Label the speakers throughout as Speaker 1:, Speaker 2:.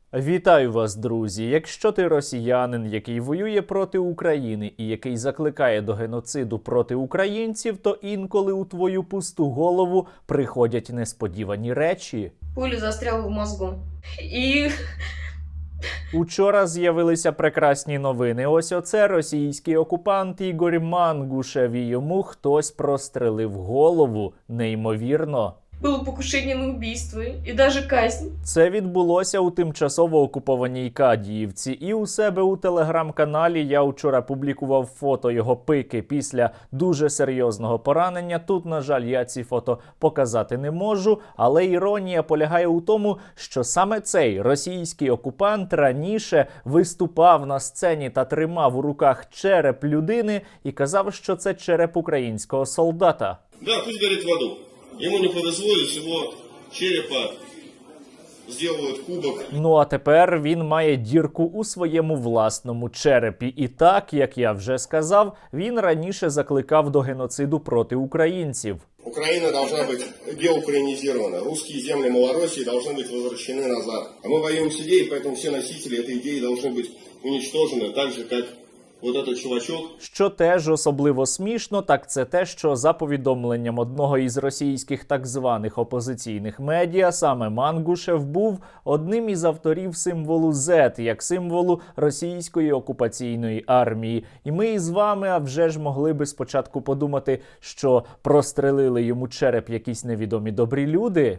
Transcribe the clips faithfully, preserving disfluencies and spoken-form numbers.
Speaker 1: Вітаю вас, друзі! Якщо ти росіянин, який воює проти України і який закликає до геноциду проти українців, то інколи у твою пусту голову приходять несподівані речі.
Speaker 2: Пуля застряла в мозгу. І...
Speaker 1: Учора з'явилися прекрасні новини. Ось оце російський окупант Ігор Мангушев, і йому хтось прострелив голову. Неймовірно.
Speaker 2: Було покушення на вбивство і навіть казнь.
Speaker 1: Це відбулося у тимчасово окупованій Кадіївці. І у себе у телеграм-каналі я вчора публікував фото його пики після дуже серйозного поранення. Тут, на жаль, я ці фото показати не можу, але іронія полягає у тому, що саме цей російський окупант раніше виступав на сцені та тримав у руках череп людини і казав, що це череп українського солдата.
Speaker 3: Да, пусть горит в аду. Ему не повезло, из его черепа сделают кубок.
Speaker 1: Ну а тепер він має дірку у своєму власному черепі. І так, як я вже сказав, він раніше закликав до геноциду проти українців.
Speaker 3: Украина должна быть деукраинизирована. Русские земли Малороссии должны быть возвращены назад. А мы воюем с идеей, поэтому все носители этой идеи должны быть уничтожены, так же, как вот этот чувачок.
Speaker 1: Що теж особливо смішно, так це те, що за повідомленням одного із російських так званих опозиційних медіа, саме Мангушев був одним із авторів символу зет, як символу російської окупаційної армії. І ми із вами, а вже ж могли би спочатку подумати, що прострелили йому череп якісь невідомі добрі люди.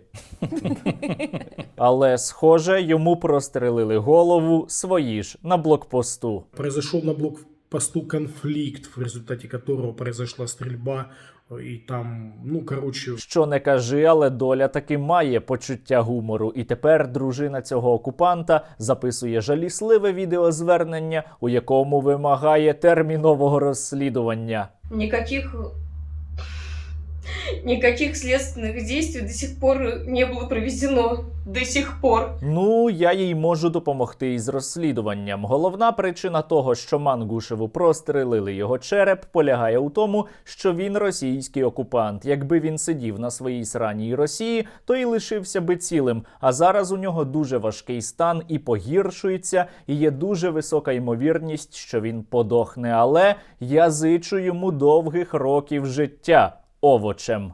Speaker 1: Але, схоже, йому прострелили голову свої ж на блокпосту.
Speaker 4: Произошел на блокпосту конфликт, в результате которого произошла стрельба, и там, ну, короче...
Speaker 1: Що не кажи, але доля таки має почуття гумору. І тепер дружина цього окупанта записує жалісливе відеозвернення, у якому вимагає термінового розслідування.
Speaker 2: Никаких... Никаких следственных действий до сих пор не было проведено. До сих пор.
Speaker 1: Ну, я їй можу допомогти із розслідуванням. Головна причина того, що Мангушеву прострелили його череп, полягає у тому, що він російський окупант. Якби він сидів на своїй сраній Росії, то і лишився би цілим. А зараз у нього дуже важкий стан і погіршується, і є дуже висока ймовірність, що він подохне. Але я зичу йому довгих років життя. Овочем.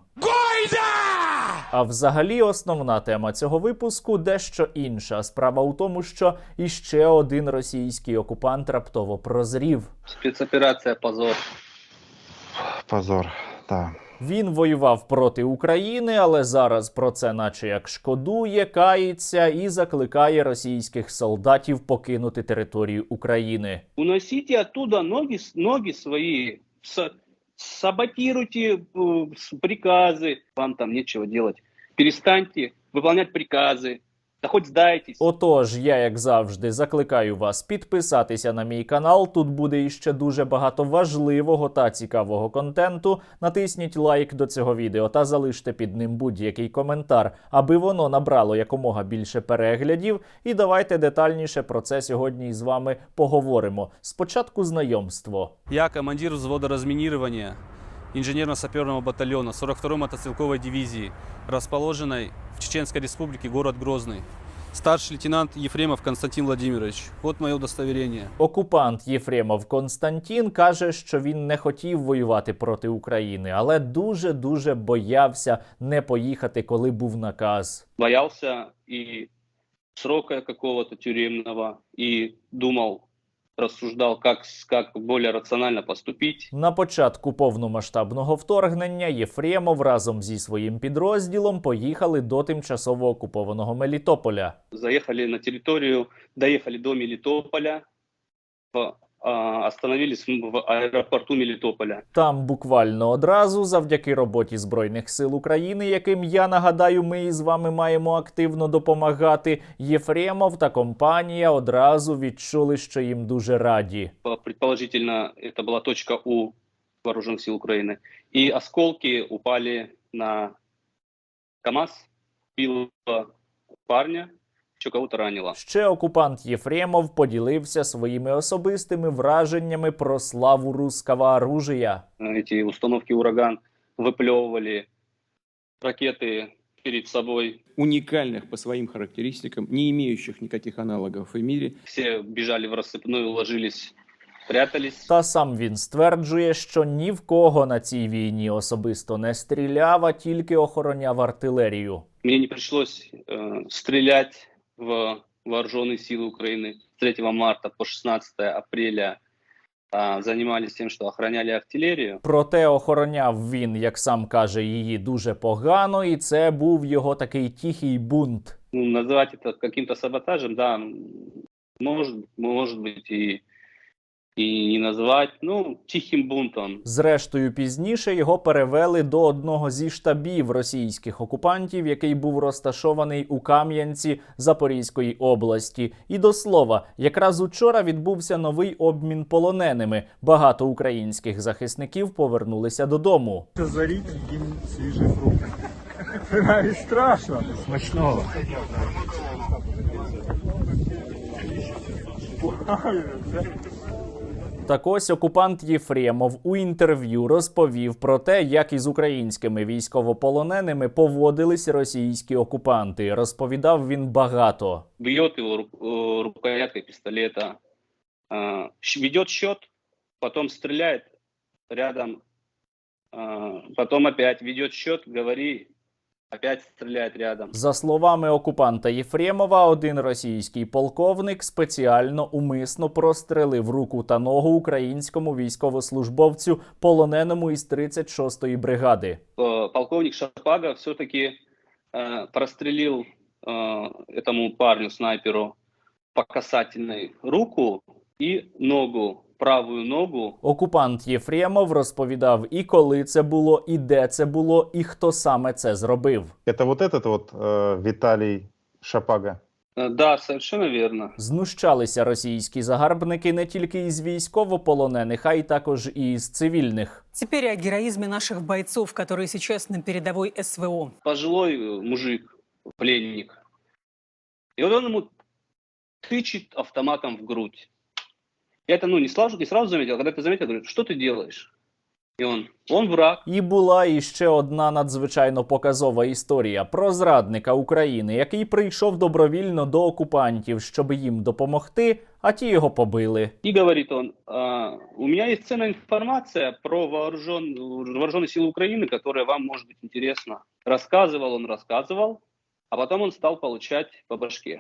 Speaker 1: А взагалі основна тема цього випуску дещо інша. Справа у тому, що іще один російський окупант раптово прозрів.
Speaker 5: Спецоперація «Позор».
Speaker 6: Позор, так.
Speaker 1: Він воював проти України, але зараз про це наче як шкодує, кається і закликає російських солдатів покинути територію України.
Speaker 5: Уносите оттуда ноги, ноги свої, саботируйте э, приказы, вам там нечего делать. Перестаньте выполнять приказы, та хоч здайтесь.
Speaker 1: Отож, я, як завжди, закликаю вас підписатися на мій канал. Тут буде іще дуже багато важливого та цікавого контенту. Натисніть лайк до цього відео та залиште під ним будь-який коментар, аби воно набрало якомога більше переглядів. І давайте детальніше про це сьогодні з вами поговоримо. Спочатку знайомство.
Speaker 7: Я командир взвода разминирования инженерно-саперного батальона сорок второй мотострелковой дивизии, расположенной в Чеченской республике, город Грозный. Старший лейтенант Ефремов Константин Владимирович. Вот моє удостоверение.
Speaker 1: Окупант Єфремов Константин каже, що він не хотів воювати проти України, але дуже-дуже боявся не поїхати, коли був наказ.
Speaker 5: Боялся и срока какого-то тюремного, и думал, рассуждал, как, как более рационально поступить.
Speaker 1: На початку повномасштабного вторгнення Єфремов разом зі своїм підрозділом поїхали до тимчасово окупованого Мелітополя.
Speaker 5: Заехали на территорию, доехали до Мелитополя, в, а, остановились в аэропорту Мелитополя.
Speaker 1: Там буквально одразу, завдяки роботі Збройних сил України, яким, я нагадаю, ми із вами маємо активно допомагати, Єфремов та компанія одразу відчули, що їм дуже раді.
Speaker 5: Предположительно, это была точка У вооруженных сил Украины. И осколки упали на КАМАЗ, било парня, що кого-то ранило.
Speaker 1: Ще окупант Єфремов поділився своїми особистими враженнями про славу русского оружия.
Speaker 5: Эти установки «Ураган» выплевывали ракеты перед собой.
Speaker 8: Уникальных по своим характеристикам, не имеющих никаких аналогов в мире.
Speaker 5: Все бежали в рассыпную, ложились, прятались.
Speaker 1: Та сам він стверджує, що ні в кого на цій війні особисто не стріляв, а тільки охороняв артилерію.
Speaker 5: Мне не пришлось э, стрелять в вооруженные силы Украины. С третьего марта по шестнадцатое апреля э, занимались тем, что охраняли артиллерию.
Speaker 1: Проте охороняв він, як сам каже, її дуже погано, і це був його такий тихий бунт.
Speaker 5: Ну, называть это каким-то саботажем, да, может, может быть и, и не назвать, ну, тихим бунтом.
Speaker 1: Зрештою, пізніше його перевели до одного зі штабів російських окупантів, який був розташований у Кам'янці Запорізької області. І до слова, якраз учора відбувся новий обмін полоненими. Багато українських захисників повернулися додому.
Speaker 9: Заріть їм свіжий фрукт. Це навіть страшно. Смачного.
Speaker 1: Так ось окупант Єфремов у інтерв'ю розповів про те, як із українськими військовополоненими поводились російські окупанти. Розповідав він багато.
Speaker 5: Бьет его ру- э, рукояткой пистолета, э, щ- ведет счет, потом стреляет рядом, э, потом опять ведет счет, говори, опять стреляет рядом.
Speaker 1: За словами окупанта Єфремова, один російський полковник спеціально умисно прострелив руку та ногу українському військовослужбовцю, полоненому із тридцять шостої бригади.
Speaker 5: Э, Полковник Шапага все-таки э, прострелил э, этому парню, снайперу, по касательной руку и ногу, правую ногу.
Speaker 1: Окупант Єфремов розповідав і коли це було, і де це було, і хто саме це зробив.
Speaker 6: Это вот этот вот э, Виталий Шапага.
Speaker 5: Э, Да, совершенно верно.
Speaker 1: Знущалися російські загарбники не тільки із військовополонених, а й також і із цивільних.
Speaker 10: Теперь о героизме наших бойцов, которые сейчас на передовой СВО.
Speaker 5: Пожилой э, мужик, пленник. И вот он ему тычет автоматом в грудь. Я это ну, не, сразу, не сразу заметил, а когда ты заметил, говорю, что ты делаешь? И он, он враг.
Speaker 1: І була іще одна надзвичайно показова історія про зрадника України, який прийшов добровільно до окупантів, щоб їм допомогти, а ті його побили.
Speaker 5: И говорит он, «А, у меня есть ценная информация про вооружен, вооруженные силы Украины, которая вам может быть интересна. Рассказывал он, рассказывал, а потом он стал получать по башке.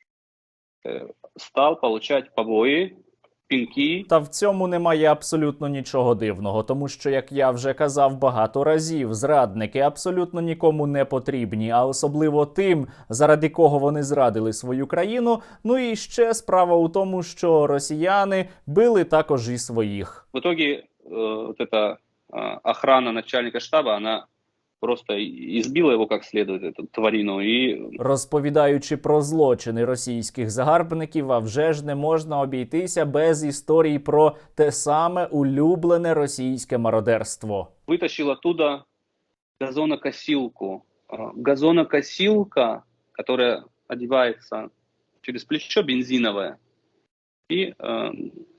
Speaker 5: Э, Стал получать побои, пинки.
Speaker 1: Та в цьому немає абсолютно нічого дивного, тому що, як я вже казав багато разів, зрадники абсолютно нікому не потрібні, а особливо тим, заради кого вони зрадили свою країну. Ну і ще справа у тому, що росіяни били також і своїх.
Speaker 5: В итоге э, вот эта э, охрана начальника штаба, она просто избила его как следует, эту тварину, и
Speaker 1: Розповідаючи про злочини російських загарбників, а вже ж не можна обійтися без історій про те саме улюблене російське мародерство.
Speaker 5: вытащил оттуда газонокосилку. Э, Газонокосилка, которая одевается через плечо, бензиновая. И, э,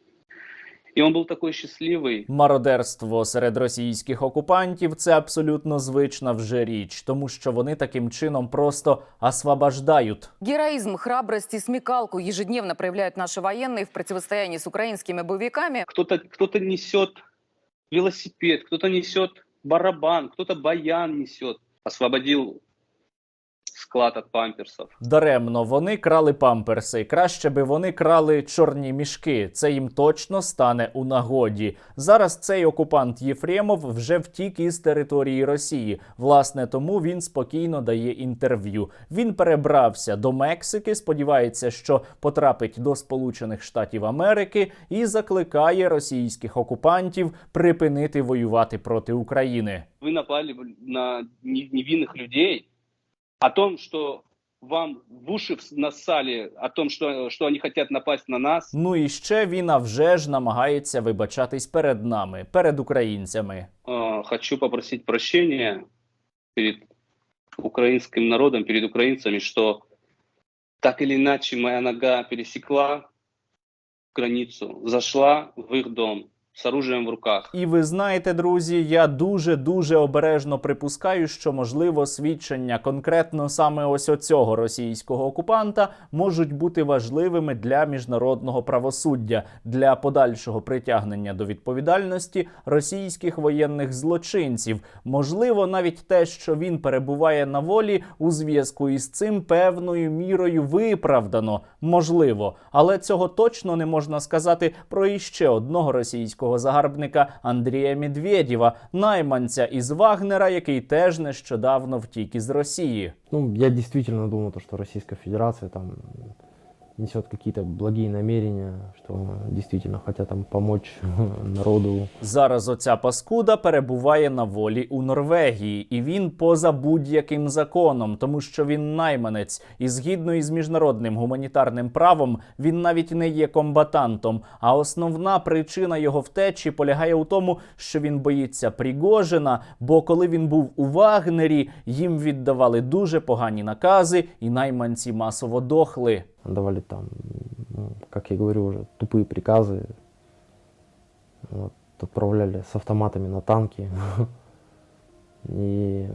Speaker 5: и он был такой счастливый.
Speaker 1: Мародерство серед російських окупантів – це абсолютно звична вже річ, тому що вони таким чином просто освобождають.
Speaker 11: Героизм, храбрость и смекалку ежедневно проявляют наши военные в противостоянии с украинскими боевиками.
Speaker 5: Кто-то, кто-то несет велосипед, кто-то несет барабан, кто-то баян несет. Освободил склад от памперсов.
Speaker 1: Даремно вони крали памперси. Краще би вони крали чорні мішки. Це їм точно стане у нагоді. Зараз цей окупант Єфремов вже втік із території Росії. Власне, тому він спокійно дає інтерв'ю. Він перебрався до Мексики, сподівається, що потрапить до Сполучених Штатів Америки і закликає російських окупантів припинити воювати проти України.
Speaker 5: Вы напали на невинных людей. О том, что вам в уши насали, о том, что, что они хотят напасть на нас.
Speaker 1: Ну і ще він, а вже ж, намагається вибачатись перед нами, перед українцями.
Speaker 5: Э, хочу попросить прощения перед украинским народом, перед украинцами, что так или иначе моя нога пересекла границу, зашла в их дом. с оружием в руках.
Speaker 1: І ви знаєте, друзі, я дуже-дуже обережно припускаю, що, можливо, свідчення конкретно саме ось оцього російського окупанта можуть бути важливими для міжнародного правосуддя, для подальшого притягнення до відповідальності російських воєнних злочинців. Можливо, навіть те, що він перебуває на волі, у зв'язку із цим певною мірою виправдано. Можливо. Але цього точно не можна сказати про іще одного російського загарбника Андрія Медведєва, найманця із Вагнера, який теж нещодавно втік із Росії.
Speaker 12: Ну, я действительно думал, что Российская Федерация там несет какие-то благие намерения, что действительно хотят там помочь народу.
Speaker 1: Зараз оця паскуда перебуває на волі у Норвегії, і він поза будь-яким законом, тому що він найманець, і згідно із міжнародним гуманітарним правом він навіть не є комбатантом. А основна причина його втечі полягає у тому, що він боїться Пригожина, бо коли він був у Вагнері, їм віддавали дуже погані накази, і найманці масово дохли.
Speaker 12: Давали там, ну, как я говорю, уже тупые приказы. Вот, отправляли с автоматами на танки. И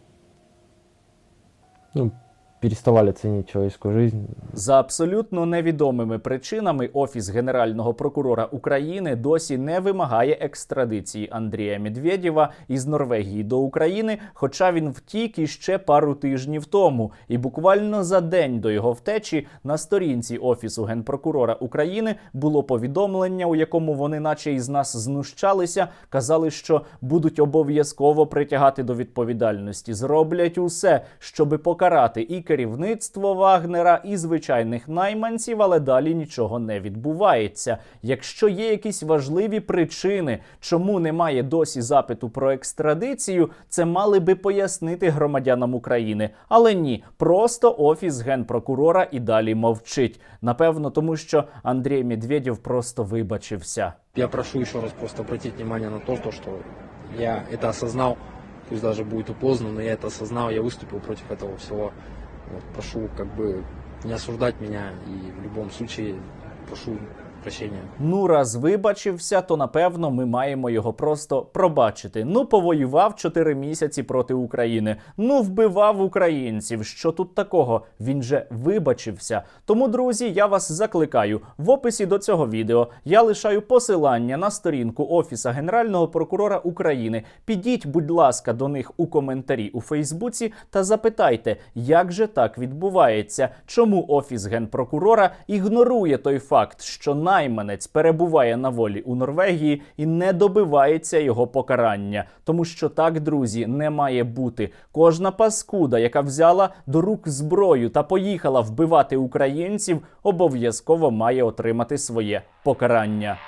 Speaker 12: ну, переставали ценить человеческую жизнь.
Speaker 1: За абсолютно невідомими причинами Офіс Генерального прокурора України досі не вимагає екстрадиції Андрія Медведєва із Норвегії до України, хоча він втік іще пару тижнів тому. І буквально за день до його втечі на сторінці Офісу Генпрокурора України було повідомлення, у якому вони наче із нас знущалися, казали, що будуть обов'язково притягати до відповідальності, зроблять усе, щоби покарати і керівництво Вагнера, і звичайних найманців, але далі нічого не відбувається. Якщо є якісь важливі причини, чому немає досі запиту про екстрадицію, це мали би пояснити громадянам України. Але ні, просто Офіс Генпрокурора і далі мовчить. Напевно, тому що Андрій Медведєв просто вибачився.
Speaker 13: Я прошу еще раз просто обратить внимание на то, что я это осознал, пусть даже будет и поздно, но я это осознал, я выступил против этого всего. Вот, прошу как бы не осуждать меня и в любом случае прошу прощения.
Speaker 1: Ну, раз вибачився, то напевно ми маємо його просто пробачити. Ну, повоював чотири місяці проти України. Ну, вбивав українців. Що тут такого? Він же вибачився. Тому, друзі, я вас закликаю. В описі до цього відео я лишаю посилання на сторінку Офіса Генерального прокурора України. Підіть, будь ласка, до них у коментарі у Фейсбуці та запитайте, як же так відбувається? Чому Офіс Генпрокурора ігнорує той факт, що найманець перебуває на волі у Норвегії і не добивається його покарання. Тому що так, друзі, не має бути. Кожна паскуда, яка взяла до рук зброю та поїхала вбивати українців, обов'язково має отримати своє покарання.